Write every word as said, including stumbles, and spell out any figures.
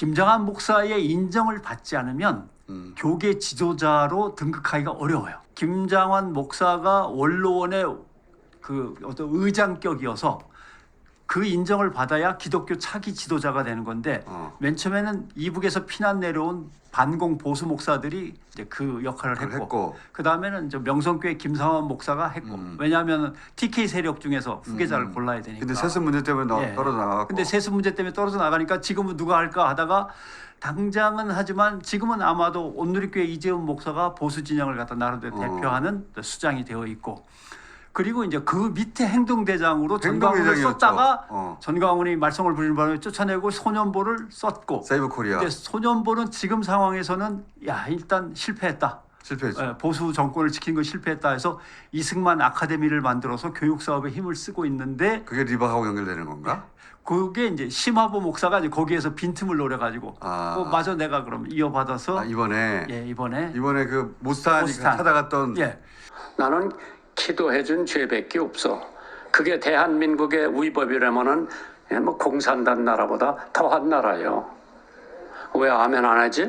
김장한 목사의 인정을 받지 않으면 음. 교계 지도자로 등극하기가 어려워요. 김장환 목사가 원로원의 그 어떤 의장격이어서 그 인정을 받아야 기독교 차기 지도자가 되는 건데 어. 맨 처음에는 이북에서 피난 내려온 반공 보수 목사들이 이제 그 역할을 그걸 했고, 했고. 그 다음에는 명성교회 김상환 목사가 했고, 음. 왜냐하면 티케이 세력 중에서 후계자를 음. 골라야 되니까. 근데 세습 문제 때문에 너, 예. 떨어져 나가고. 근데 세습 문제 때문에 떨어져 나가니까 지금은 누가 할까 하다가 당장은 하지만 지금은 아마도 온누리교회 이재훈 목사가 보수 진영을 갖다 나름대로 어. 대표하는 수장이 되어 있고, 그리고 이제 그 밑에 행동대장으로 전광훈을 행동대장이었죠. 썼다가 어. 전광훈이 말썽을 부리는 바람에 쫓아내고 소년보를 썼고, 세이브 코리아 근데 소년보는 지금 상황에서는 야 일단 실패했다. 실패했죠. 예, 보수 정권을 지키는 거 실패했다 해서 이승만 아카데미를 만들어서 교육 사업에 힘을 쓰고 있는데, 그게 리바하고 연결되는 건가? 그게 이제 심화보 목사가 이제 거기에서 빈틈을 노려가지고 아. 어, 마저 내가 그럼 이어받아서 아, 이번에 예 이번에 이번에 그 모스탄이 모스탄. 찾아갔던 예 나는 기도해준 죄밖에 없어. 그게 대한민국의 위법이라면은 뭐 공산당 나라보다 더한 나라요. 왜 아멘 안 하지?